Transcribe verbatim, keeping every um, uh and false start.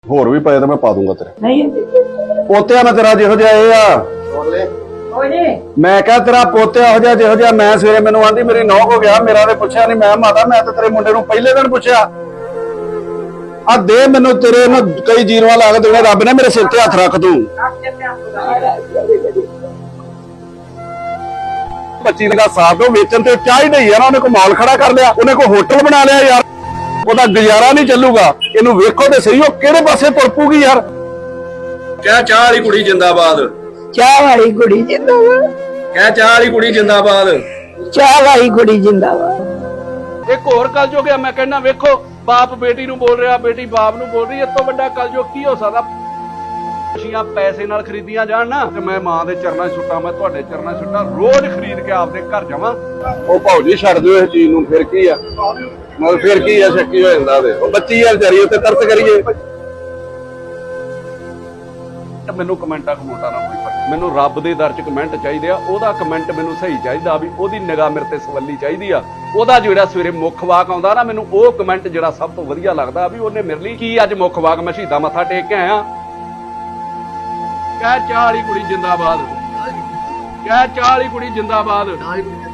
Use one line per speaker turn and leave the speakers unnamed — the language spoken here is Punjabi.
ਹੋਰ ਵੀ ਪਏ ਤਾਂ ਮੈਂ ਪਾ ਦੂੰਗਾ ਤੇਰੇ
ਨਹੀਂ
ਪੋਤਿਆ ਮੈਂ ਤੇਰਾ ਜਿਹੋ ਜਿਹਾ ਇਹ ਆ
ਕੋਈ ਨਹੀਂ
ਮੈਂ ਕਿਹਾ ਤੇਰਾ ਪੋਤਿਆ ਇਹੋ ਜਿਹਾ ਜਿਹੋ ਜਿਹਾ ਮੈਂ ਸਵੇਰੇ ਮੈਨੂੰ ਆਂਦੀ ਮੇਰੀ ਨੌ ਹੋ ਗਿਆ ਮੇਰਾ ਤੇ ਪੁੱਛਿਆ ਨਹੀਂ ਮੈਂ ਮਾਤਾ ਮੈਂ ਤੇ ਤੇਰੇ ਮੁੰਡੇ ਨੂੰ ਪਹਿਲੇ ਦਿਨ ਪੁੱਛਿਆ ਆ ਦੇ ਮੈਨੂੰ ਤੇਰੇ ਨਾ ਕਈ ਜੀਰਵਾ ਲਾ ਕੇ ਦੇਣੇ ਰੱਬ ਨੇ ਮੇਰੇ ਸਿਰ ਤੇ ਹੱਥ ਰੱਖ ਤੂੰ ਪੱਚੀ ਦਾ ਸਾਥ ਉਹ ਵੇਚਣ ਤੇ ਚਾਹ ਹੀ ਨਹੀਂ ਯਾਰ ਉਹਨੇ ਕੋ ਮਾਲ ਖੜਾ ਕਰ ਲਿਆ ਉਹਨੇ ਕੋ ਹੋਟਲ ਬਣਾ ਲਿਆ ਯਾਰ ਉਹਦਾ ਗੁਜ਼ਾਰਾ ਨਹੀਂ ਚੱਲੂਗਾ ਇਹਨੂੰ ਵੇਖੋ ਤੇ ਸਹੀ ਉਹ ਕਿਹੜੇ ਪਾਸੇ ਤੁਰ ਪੂਗੀ ਯਾਰ ਕਹਿ ਚਾਹ ਵਾਲੀ ਕੁੜੀ ਜਿੰਦਾਬਾਦ
ਚਾਹ ਵਾਲੀ ਕੁੜੀ ਜਿੰਦਾਬਾਦ
ਕਹਿ ਚਾਹ ਵਾਲੀ ਕੁੜੀ ਜਿੰਦਾਬਾਦ
ਚਾਹ ਵਾਲੀ ਕੁੜੀ ਜਿੰਦਾਬਾਦ।
ਇੱਕ ਹੋਰ ਕਲਯੁਗ ਆ ਮੈਂ ਕਹਿੰਦਾ ਵੇਖੋ ਬਾਪ ਬੇਟੀ ਨੂੰ ਬੋਲ ਰਿਹਾ ਬੇਟੀ ਬਾਪ ਨੂੰ ਬੋਲ ਰਹੀ ਇਸ ਤੋਂ ਵੱਡਾ ਕਲਯੁਗ ਕੀ ਹੋ ਸਕਦਾ। ਖੁਸ਼ੀਆਂ ਪੈਸੇ ਨਾਲ ਖਰੀਦੀਆਂ ਜਾਣ ਨਾ ਤੇ ਮੈਂ ਮਾਂ ਦੇ ਚਰਨਾਂ 'ਚ ਸੁੱਟਾਂ ਮੈਂ ਤੁਹਾਡੇ ਚਰਨਾਂ 'ਚ ਸੁੱਟਾਂ ਰੋਜ਼ ਖਰੀਦ ਕੇ ਆਪਦੇ ਘਰ ਜਾਵਾਂ।
ਉਹ ਭਾਉਜੀ ਛੱਡ ਦਿਓ ਇਸ ਚੀਜ਼ ਨੂੰ ਫਿਰ ਕੀ ਆ ਮਤਲਬ ਫਿਰ ਕੀ ਆ ਸ਼ੱਕੀ ਹੋ ਜਾਂਦਾ ਉਹਦੇ ਉਹ ਬੱਚੀ ਆ ਵਿਚਾਰੀ ਉੱਤੇ ਤਰਸ ਕਰੀਏ।
ਮੈਨੂੰ ਕਮੈਂਟਾਂ ਕਮੋਟਾ ਨਾ ਕੋਈ ਫਰਕ ਮੈਨੂੰ ਰੱਬ ਦੇ ਦਰ 'ਚ ਕਮੈਂਟ ਚਾਹੀਦੇ ਆ ਉਹਦਾ ਕਮੈਂਟ ਮੈਨੂੰ ਸਹੀ ਚਾਹੀਦਾ ਵੀ ਉਹਦੀ ਨਿਗਾਹ ਮੇਰੇ ਤੇ ਸਵੱਲੀ ਚਾਹੀਦੀ ਆ ਉਹਦਾ ਜਿਹੜਾ ਸਵੇਰੇ ਮੁੱਖ ਵਾਕ ਆਉਂਦਾ ਨਾ ਮੈਨੂੰ ਉਹ ਕਮੈਂਟ ਜਿਹੜਾ ਸਭ ਤੋਂ ਵਧੀਆ ਲੱਗਦਾ ਵੀ ਉਹਨੇ ਮੇਰੇ ਲਈ ਕੀ ਅੱਜ ਮੁੱਖ ਵਾਕ ਮੈਂ ਸ਼ਹੀਦਾਂ ਮੱਥਾ ਟੇਕ ਕੇ ਆਇਆ। ਕਹਿ ਚਾਹ ਵਾਲੀ ਕੁੜੀ ਜਿੰਦਾਬਾਦ ਕਹਿ ਚਾਹ ਵਾਲੀ ਕੁੜੀ ਜਿੰਦਾਬਾਦ।